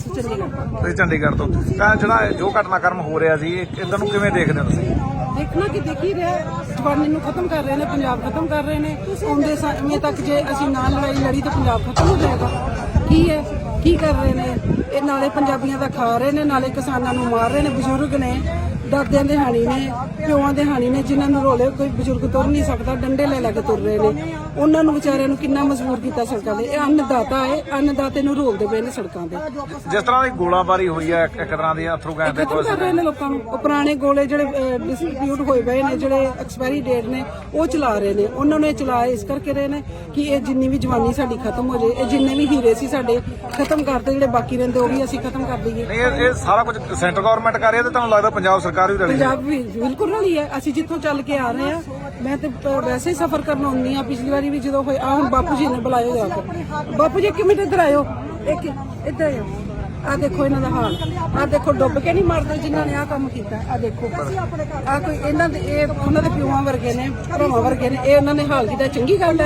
ਅਸੀਂ ਚੰਡੀਗੜ੍ਹ ਤੋਂ। ਤੁਸੀਂ ਚੰਡੀਗੜ੍ਹ ਤੋਂ ਤਾਂ ਜਿਹੜਾ ਜੋ ਘਟਨਾਕ੍ਰਮ ਹੋ ਰਿਹਾ ਸੀ ਇਦਾਂ ਨੂੰ ਕਿਵੇਂ ਦੇਖਦੇ ਹੋ ਤੁਸੀਂ? ਦੇਖਣਾ ਕਿ ਦੇਖ ਹੀ ਰਿਹਾ, ਜਵਾਨੀ ਨੂੰ ਖਤਮ ਕਰ ਰਹੇ ਨੇ, ਪੰਜਾਬ ਖਤਮ ਕਰ ਰਹੇ ਨੇ। ਆਉਂਦੇ ਸਮੇਂ ਤੱਕ ਜੇ ਅਸੀਂ ਨਾ ਲੜਾਈ ਲੜੀ ਤਾਂ ਪੰਜਾਬ ਖਤਮ ਹੋ ਜਾਏਗਾ। ਕੀ ਹੈ, ਕੀ ਕਰ ਰਹੇ ਨੇ ਇਹ? ਨਾਲੇ ਪੰਜਾਬੀਆਂ ਦਾ ਖਾ ਰਹੇ ਨੇ, ਨਾਲੇ ਕਿਸਾਨਾਂ ਨੂੰ ਮਾਰ ਰਹੇ ਨੇ। ਬਜ਼ੁਰਗ ਨੇ, ਦਾਦਿਆਂ ਦੇ ਹਾਣੀ ਨੇ, ਪਿਓਾਂ ਦੇ ਹਾਣੀ ਨੇ, ਜਿਨ੍ਹਾਂ ਨੂੰ ਰੋਲੇ ਕੋਈ ਬਜ਼ੁਰਗ ਤੁਰ ਨਹੀਂ ਸਕਦਾ, ਡੰਡੇ ਲੈ ਕੇ ਤੁਰ ਰਹੇ ਨੇ। ਉਹਨਾਂ ਨੂੰ ਵਿਚਾਰਿਆਂ ਨੂੰ ਕਿੰਨਾ ਮਜਬੂਰ ਕੀਤਾ ਸੜਕਾਂ ਤੇ। ਇਹ ਅੰਨਦਾਤਾ ਹੈ, ਅੰਨਦਾਤੇ ਨੂੰ ਰੋਲਦੇ ਪਏ ਨੇ ਸੜਕਾਂ ਤੇ। ਜਿਸ ਤਰ੍ਹਾਂ ਦੀ ਗੋਲਾਬਾਰੀ ਹੋਈ ਹੈ ਇੱਕ ਤਰ੍ਹਾਂ ਦੀ ਅਥਰੂ ਗੈਸ ਦੇ ਖਤਮ ਕਰ ਰਹੇ ਨੇ ਲੋਕਾਂ ਨੂੰ। ਉਹ ਪੁਰਾਣੇ ਗੋਲੇ ਜਿਹੜੇ ਡਿਸਟ੍ਰੀਬਿਊਟ ਹੋਏ ਪਏ ਨੇ, ਜਿਹੜੇ ਐਕਸਪਾਇਰੀ ਡੇਟ ਨੇ, ਉਹ ਚਲਾ ਰਹੇ ਨੇ। ਉਹਨਾਂ ਨੇ ਚਲਾਏ ਇਸ ਕਰਕੇ ਰਹੇ ਨੇ ਕਿ ਇਹ ਜਿੰਨੀ ਵੀ ਜਵਾਨੀ ਸਾਡੀ ਖਤਮ ਹੋ ਜਾਏ। ਇਹ ਜਿੰਨੇ ਵੀ ਹੀਰੇ ਸੀ ਸਾਡੇ ਖਤਮ ਕਰਤੇ, ਜਿਹੜੇ ਬਾਕੀ ਰਹਿੰਦੇ ਉਹ ਵੀ ਅਸੀਂ ਖਤਮ ਕਰ ਦਈਏ। ਨਹੀਂ, ਇਹ ਸਾਰਾ ਕੁਝ ਸੈਂਟਰ ਗਵਰਨਮੈਂਟ ਕਰ ਰਹੀ ਹੈ ਤੇ ਤੁਹਾਨੂੰ ਲੱਗਦਾ ਪੰਜਾਬ ਸਰਕਾਰ ਵੀ ਰਲੀ ਹੈ? ਪੰਜਾਬ ਵੀ ਬਿਲਕੁਲ ਰਲੀ ਹੈ। ਅਸੀਂ ਜਿੱਥੋਂ ਚੱਲ ਕੇ ਆ ਰਹੇ ਹਾਂ, ਮੈਂ ਤੇ ਵੈਸੇ ਹੀ ਸਫ਼ਰ ਕਰਨ ਆਉਂਦੀ ਹਾਂ। ਪਿਛਲੀ ਵਾਰੀ ਵੀ ਜਦੋਂ ਹੋਇਆ, ਹੁਣ ਬਾਪੂ ਜੀ ਨੇ ਬੁਲਾਇਓ ਜਾ ਕੇ। ਬਾਪੂ ਜੀ 1 ਮਿੰਟ ਇੱਧਰ ਆਇਓ, ਇੱਧਰ ਆਇਓ। ਆ ਦੇਖੋ ਇਹਨਾਂ ਦਾ ਹਾਲ, ਆ ਦੇਖੋ ਡੁੱਬ ਕੇ ਨਹੀਂ ਮਰਦੇ ਜਿਨ੍ਹਾਂ ਨੇ ਆ ਕੰਮ ਕੀਤਾ। ਆ ਦੇਖੋ, ਆ ਕੋਈ ਇਹਨਾਂ ਦੇ, ਇਹ ਉਹਨਾਂ ਦੇ ਪਿਓਾਂ ਵਰਗੇ ਨੇ, ਭਰਾਵਾਂ ਵਰਗੇ ਨੇ। ਇਹ ਉਹਨਾਂ ਨੇ ਹਾਲ ਕੀਤਾ, ਚੰਗੀ ਗੱਲ ਹੈ?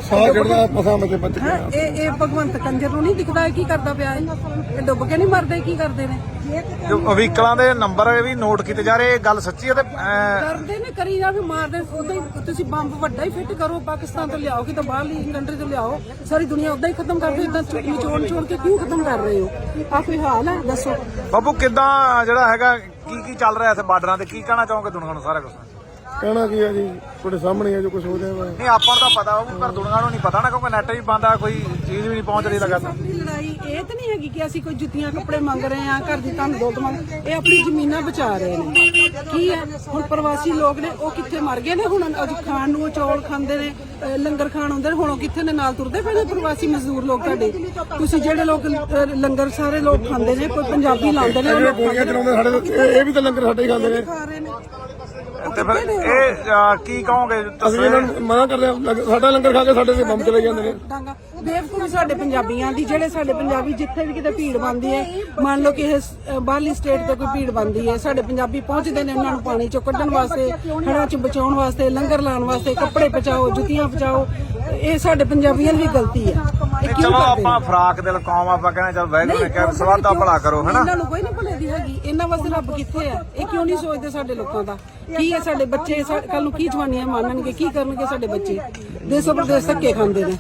ਇਹ ਭਗਵੰਤ ਕੰਜਰ ਨੂੰ ਨਹੀਂ ਦਿਖਦਾ ਕੀ ਕਰਦਾ ਪਿਆ ਹੈ? ਇਹ ਡੁੱਬ ਕੇ ਨਹੀਂ ਮਰਦੇ, ਕੀ ਕਰਦੇ ਨੇ? ਜੋ ਵਹੀਕਲਾਂ ਦੇ ਨੰਬਰ ਵੀ ਨੋਟ ਕੀਤੇ ਜਾ ਰਹੇ, ਇਹ ਗੱਲ ਸੱਚੀ ਹੈ? ਤੇ ਕਰਦੇ ਨੇ, ਕਰੀ ਜਾ ਵੀ ਮਾਰਦੇ। ਉਦਾਂ ਹੀ ਤੁਸੀਂ ਬੰਬ ਵੱਡਾ ਹੀ ਫਿੱਟ ਕਰੋ, ਪਾਕਿਸਤਾਨ ਤੋਂ ਲਿਆਓ, ਕਿਤੇ ਬਾਹਰਲੀ ਕੰਟਰੀ ਤੋਂ ਲਿਆਓ, ਸਾਰੀ ਦੁਨੀਆ ਉਦਾਂ ਹੀ ਖਤਮ ਕਰ ਦਿਓ। ਇਦਾਂ ਨਿਚੋੜ ਕੇ ਕਿਉਂ ਖਤਮ ਕਰ ਰਹੇ ਹੋ? ਆ ਕੋਈ ਹਾਲ ਹੈ? ਦੱਸੋ ਬਾਬੂ, ਕਿੱਦਾਂ ਜਿਹੜਾ ਹੈਗਾ ਕੀ ਚੱਲ ਰਿਹਾ ਇੱਥੇ ਬਾਰਡਰਾਂ ਤੇ? ਕੀ ਕਹਿਣਾ ਚਾਹੋਗੇ ਦੁਨੀਆ ਨੂੰ? ਸਾਰਾ ਕੁਝ ਕਹਿਣਾ ਕੀ ਹੈ ਜੀ, ਤੁਹਾਡੇ ਸਾਹਮਣੇ ਹੈ ਜੋ ਕੁਝ ਹੋ ਰਿਹਾ ਵਾ। ਨਹੀਂ, ਆਪਾਂ ਨੂੰ ਤਾਂ ਪਤਾ ਹੋਊ, ਪਰ ਦੁਨੀਆ ਨੂੰ ਨਹੀਂ ਪਤਾ ਨਾ, ਕਿਉਂਕਿ ਨੈਟ ਵੀ ਬੰਦ ਆ, ਕੋਈ ਚੀਜ਼ ਵੀ ਨਹੀਂ ਪਹੁੰਚ ਰਹੀ ਲਗਾਤਾਰ। ਆਪਣੀ ਲੜਾਈ ਇਹ ਤਾਂ ਨਹੀਂ ਹੈਗੀ ਕਿ ਅਸੀਂ ਕੋਈ ਜੁੱਤੀਆਂ ਕੱਪੜੇ ਮੰਗ ਰਹੇ ਹਾਂ, ਘਰ ਦੀ ਧਨ ਦੌਲਤ ਮੰਗ। ਇਹ ਆਪਣੀ ਜ਼ਮੀਨਾਂ ਬਚਾ ਰਹੇ ਨੇ। ਕੀ ਹੈ ਹੁਣ ਪ੍ਰਵਾਸੀ ਲੋਕ ਨੇ, ਉਹ ਕਿੱਥੇ ਮਰ ਗਏ ਨੇ? ਹੁਣ ਅੱਜ ਖਾਣ ਨੂੰ ਚੌਲ ਖਾਂਦੇ ਨੇ, ਲੰਗਰ ਖਾਣ ਆਉਂਦੇ ਨੇ। ਹੁਣ ਉਹ ਕਿੱਥੇ ਨੇ? ਨਾਲ ਤੁਰਦੇ ਪਏ ਨੇ ਪ੍ਰਵਾਸੀ ਮਜ਼ਦੂਰ ਲੋਕ ਤੁਹਾਡੇ। ਤੁਸੀਂ ਜਿਹੜੇ ਲੋਕ ਲੰਗਰ ਸਾਰੇ ਲੋਕ ਖਾਂਦੇ ਨੇ, ਕੋਈ ਪੰਜਾਬੀ ਲਾਉਂਦੇ ਨੇ, ਇਹ ਵੀ ਤਾਂ ਲੰਗਰ ਸਾਡੇ ਹੀ ਖਾਂਦੇ ਨੇ। ਖਾ ਰਹੇ ਨੇ। ਤੇ ਫਿਰ ਇਹ ਕੀ ਕਹੋਗੇ? ਅਸੀਂ ਇਹਨਾਂ ਨੂੰ ਮਨਾ ਕਰਦੇ ਹਾਂ, ਸਾਡਾ ਲੰਗਰ ਖਾ ਕੇ ਸਾਡੇ ਤੇ ਬੰਬ ਚਲੇ ਜਾਂਦੇ ਨੇ। ਬੇਵਕੂਫ ਸਾਡੇ ਪੰਜਾਬੀਆਂ ਦੀ, ਜਿਹੜੇ ਸਾਡੇ ਪੰਜਾਬੀ ਜਿੱਥੇ ਵੀ ਕਿਤੇ ਭੀੜ ਬਣਦੀ ਹੈ, ਮੰਨ ਲਓ ਕਿ ਇਹ ਬਾਹਰਲੀ ਸਟੇਟ ਤੇ ਕੋਈ ਭੀੜ ਬਣਦੀ ਹੈ, ਸਾਡੇ ਪੰਜਾਬੀ ਪਹੁੰਚਦੇ ਨੇ ਉਹਨਾਂ ਨੂੰ ਪਾਣੀ ਚੋਂ ਕੱਢਣ ਵਾਸਤੇ, ਹੜ੍ਹਾਂ ਚ ਬਚਾਉਣ ਵਾਸਤੇ, ਲੰਗਰ ਲਾਉਣ ਵਾਸਤੇ, ਕੱਪੜੇ ਪਹੁੰਚਾਓ, ਜੁੱਤੀਆਂ ਪਹੁੰਚਾਓ। ਇਹ ਸਾਡੇ ਪੰਜਾਬੀਆਂ ਦੀ ਗਲਤੀ ਹੈ। ਚਲੋ ਆਪਾਂ ਫਰਾਕ ਦਿਲ ਕੌਮ, ਆਪਾਂ ਕਹਿੰਦੇ ਚੱਲ ਵਾਹਿਗੁਰੂ ਨੇ ਕਿਹਾ ਸਵਾਦ ਦਾ ਭਲਾ ਕਰੋ, ਹਨਾ? ਇਹਨਾਂ ਨੂੰ ਕੋਈ ਨਹੀਂ ਭੁੱਲੇ ਦੀ ਹੈਗੀ। ਇਹਨਾਂ ਵਾਸਤੇ ਰੱਬ ਕਿੱਥੇ ਹੈ? ਇਹ ਕਿਉਂ ਨਹੀਂ ਸੋਚਦੇ ਸਾਡੇ ਲੋਕਾਂ ਦਾ? ਕੀ ਹੈ ਸਾਡੇ ਬੱਚੇ ਕੱਲ ਨੂੰ ਕੀ ਜਵਾਨੀਆਂ ਮਾਣਨਗੇ? ਕੀ ਕਰਨਗੇ ਸਾਡੇ ਬੱਚੇ? ਦੇਸੋ ਪ੍ਰਦੇਸ ਧੱਕੇ ਖਾਂਦੇ ਨੇ।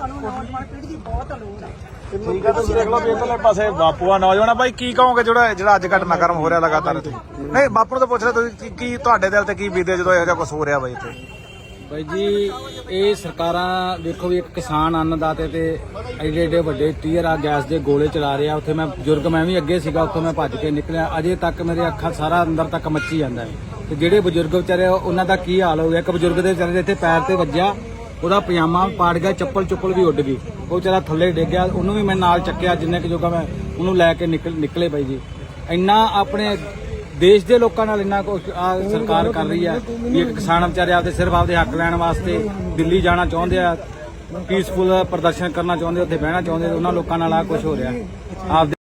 ਠੀਕ ਹੈ, ਤੁਸੀਂ ਦੇਖ ਲਓ ਵੀ ਇਧਰਲੇ ਪਾਸੇ ਬਾਪੂ ਆ ਨੌਜਵਾਨ ਆ। ਬਾਈ, ਕੀ ਕਹੋਗੇ ਜਿਹੜਾ ਅੱਜ ਘਟਨਾਕ੍ਰਮ ਹੋ ਰਿਹਾ ਲਗਾਤਾਰ ਇੱਥੇ? ਨਹੀਂ, ਬਾਪੂ ਨੂੰ ਤਾਂ ਪੁੱਛ ਰਹੇ ਤੁਸੀਂ, ਕੀ ਤੁਹਾਡੇ ਦਿਲ ਤੇ ਕੀ ਬੀਤੇ ਜਦੋਂ ਇਹੋ ਜਿਹਾ ਕੁਝ ਹੋ ਰਿਹਾ ਬਾਈ ਇੱਥੇ? ਬਾਈ ਜੀ, ਇਹ ਸਰਕਾਰਾਂ ਦੇਖੋ ਵੀ ਇੱਕ ਕਿਸਾਨ ਅੰਨਦਾਤੇ ਤੇ ਐਡੇ ਐਡੇ ਵੱਡੇ ਟੀਅਰ ਆ ਗੈਸ ਦੇ ਗੋਲੇ ਚਲਾ ਰਿਹਾ। ਉੱਥੇ ਮੈਂ ਬਜ਼ੁਰਗ, ਮੈਂ ਵੀ ਅੱਗੇ ਸੀਗਾ, ਉੱਥੋਂ ਮੈਂ ਭੱਜ ਕੇ ਨਿਕਲਿਆ। ਅਜੇ ਤੱਕ ਮੇਰੇ ਅੱਖਾਂ ਸਾਰਾ ਅੰਦਰ ਤੱਕ ਮੱਚੀ ਜਾਂਦਾ ਹੈ। ਤੇ ਜਿਹੜੇ ਬਜ਼ੁਰਗ ਵਿਚਾਰੇ ਉਹਨਾਂ ਦਾ ਕੀ ਹਾਲ ਹੋ ਗਿਆ? ਇੱਕ ਬਜ਼ੁਰਗ ਦੇ ਵਿਚਾਰੇ ਇੱਥੇ ਪੈਰ ਤੇ ਵੱਜਿਆ, ਉਹਦਾ ਪਜਾਮਾ ਪਾੜ ਗਿਆ, ਚੱਪਲ ਵੀ ਉੱਡ ਗਈ, ਉਹ ਵਿਚਾਰਾ ਥੱਲੇ ਡਿੱਗ ਗਿਆ। ਉਹਨੂੰ ਵੀ ਮੈਂ ਨਾਲ ਚੱਕਿਆ, ਜਿੰਨੇ ਕੁ ਜੋਗਾ ਮੈਂ ਉਹਨੂੰ ਲੈ ਕੇ ਨਿਕਲੇ ਬਾਈ ਜੀ। ਇੰਨਾ ਆਪਣੇ ਦੇਸ਼ ਦੇ ਲੋਕਾਂ ਨਾਲ ਇੰਨਾ ਕੁਝ ਸਰਕਾਰ ਕਰ ਰਹੀ ਹੈ ਵੀ ਇੱਕ ਕਿਸਾਨ ਵਿਚਾਰੇ ਆਪਦੇ ਸਿਰਫ ਆਪਦੇ ਹੱਕ ਲੈਣ ਵਾਸਤੇ ਦਿੱਲੀ ਜਾਣਾ ਚਾਹੁੰਦੇ ਆ, ਪੀਸਫੁਲ ਪ੍ਰਦਰਸ਼ਨ ਕਰਨਾ ਚਾਹੁੰਦੇ, ਉੱਥੇ ਬਹਿਣਾ ਚਾਹੁੰਦੇ, ਉਹਨਾਂ ਲੋਕਾਂ ਨਾਲ ਆ ਕੁਝ ਹੋ ਰਿਹਾ।